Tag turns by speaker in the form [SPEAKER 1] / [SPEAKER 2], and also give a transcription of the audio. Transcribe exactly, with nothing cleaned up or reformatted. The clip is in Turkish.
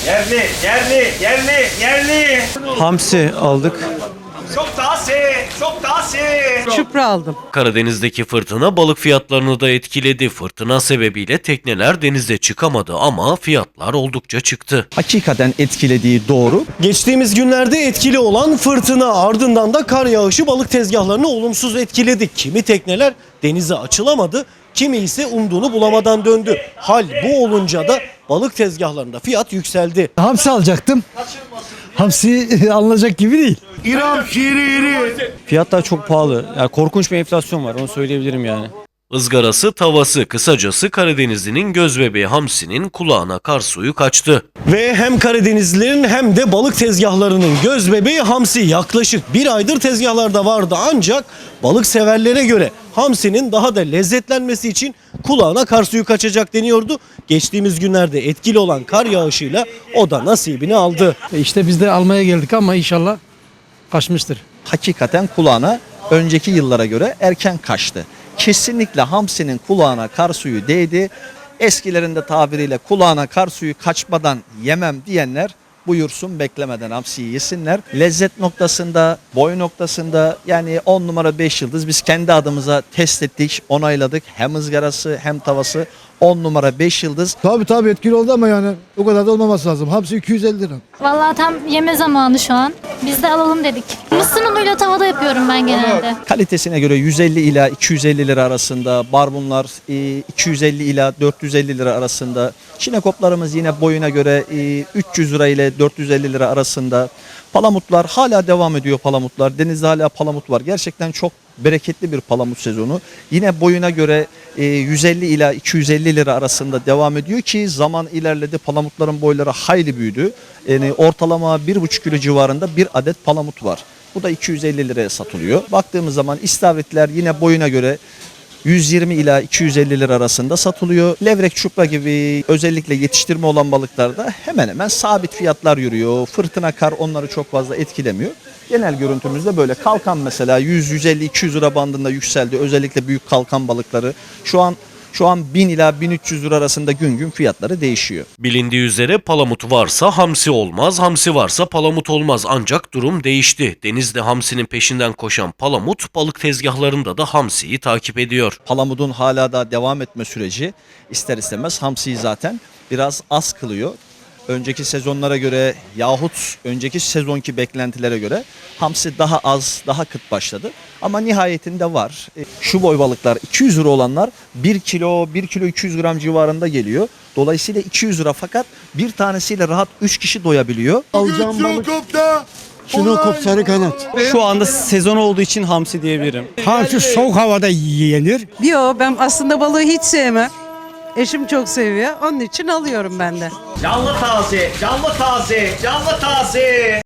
[SPEAKER 1] Yerli, yerli, yerli, yerli.
[SPEAKER 2] Hamsi aldık.
[SPEAKER 1] Çok taze, çok taze.
[SPEAKER 3] Çupra aldım.
[SPEAKER 4] Karadeniz'deki fırtına balık fiyatlarını da etkiledi. Fırtına sebebiyle tekneler denize çıkamadı ama fiyatlar oldukça çıktı.
[SPEAKER 5] Hakikaten etkilediği doğru.
[SPEAKER 6] Geçtiğimiz günlerde etkili olan fırtına ardından da kar yağışı balık tezgahlarını olumsuz etkiledi. Kimi tekneler denize açılamadı, kimi ise umduğunu bulamadan döndü. Hal bu olunca da balık tezgahlarında fiyat yükseldi.
[SPEAKER 7] Hamsi alacaktım. Hamsi alınacak gibi değil.
[SPEAKER 2] Fiyatlar çok pahalı. Yani korkunç bir enflasyon var, onu söyleyebilirim yani.
[SPEAKER 4] Izgarası, tavası, kısacası Karadenizli'nin gözbebeği hamsinin kulağına kar suyu kaçtı.
[SPEAKER 6] Ve hem Karadenizlilerin hem de balık tezgahlarının gözbebeği hamsi yaklaşık bir aydır tezgahlarda vardı, ancak balık severlere göre hamsinin daha da lezzetlenmesi için kulağına kar suyu kaçacak deniyordu. Geçtiğimiz günlerde etkili olan kar yağışıyla o da nasibini aldı.
[SPEAKER 7] E işte biz de almaya geldik ama inşallah kaçmıştır.
[SPEAKER 5] Hakikaten kulağına önceki yıllara göre erken kaçtı. Kesinlikle hamsinin kulağına kar suyu değdi. Eskilerin de tabiriyle kulağına kar suyu kaçmadan yemem diyenler buyursun, beklemeden hamsiyi yesinler. Lezzet noktasında, boy noktasında yani on numara beş yıldız biz kendi adımıza test ettik, onayladık. Hem ızgarası hem tavası on numara beş yıldız.
[SPEAKER 7] Tabii tabii etkili oldu ama yani o kadar da olmaması lazım. Hamsi iki yüz elli lira.
[SPEAKER 8] Vallahi tam yeme zamanı şu an. Biz de alalım dedik. Mısır unuyla tavada yapıyorum ben genelde.
[SPEAKER 5] Kalitesine göre yüz elli ila iki yüz elli lira arasında, barbunlar iki yüz elli ila dört yüz elli lira arasında. Çinekoplarımız yine boyuna göre üç yüz lira ile dört yüz elli lira arasında. Palamutlar hala devam ediyor palamutlar. Denizde hala palamut var. Gerçekten çok bereketli bir palamut sezonu. Yine boyuna göre yüz elli ila iki yüz elli lira arasında devam ediyor ki zaman ilerledi. Palamutların boyları hayli büyüdü. Yani ortalama bir buçuk kilo civarında bir adet palamut var. Bu da iki yüz elli liraya satılıyor. Baktığımız zaman istavritler yine boyuna göre yüz yirmi ila iki yüz elli lira arasında satılıyor. Levrek, çupra gibi özellikle yetiştirme olan balıklarda hemen hemen sabit fiyatlar yürüyor. Fırtına, kar onları çok fazla etkilemiyor. Genel görüntümüzde böyle. Kalkan mesela yüz yüz elli iki yüz lira bandında yükseldi. Özellikle büyük kalkan balıkları. Şu an Şu an bin ila bin üç yüz lira arasında gün gün fiyatları değişiyor.
[SPEAKER 4] Bilindiği üzere palamut varsa hamsi olmaz, hamsi varsa palamut olmaz. Ancak durum değişti. Denizde hamsinin peşinden koşan palamut balık tezgahlarında da hamsiyi takip ediyor.
[SPEAKER 5] Palamudun hala da devam etme süreci ister istemez hamsiyi zaten biraz az kılıyor. Önceki sezonlara göre yahut önceki sezonki beklentilere göre hamsi daha az, daha kıt başladı. Ama nihayetinde var. Şu boy balıklar iki yüz lira olanlar bir kilo, bir kilo iki yüz gram civarında geliyor. Dolayısıyla iki yüz lira, fakat bir tanesiyle rahat üç kişi doyabiliyor.
[SPEAKER 7] Alacağım balık. Şinokop sarı kanat.
[SPEAKER 2] Şu anda sezon olduğu için hamsi diyebilirim.
[SPEAKER 7] Hamsi soğuk havada yenir.
[SPEAKER 3] Yo, ben aslında balığı hiç sevmem. Eşim çok seviyor. Onun için alıyorum ben de.
[SPEAKER 1] Canlı taze, canlı taze, canlı taze.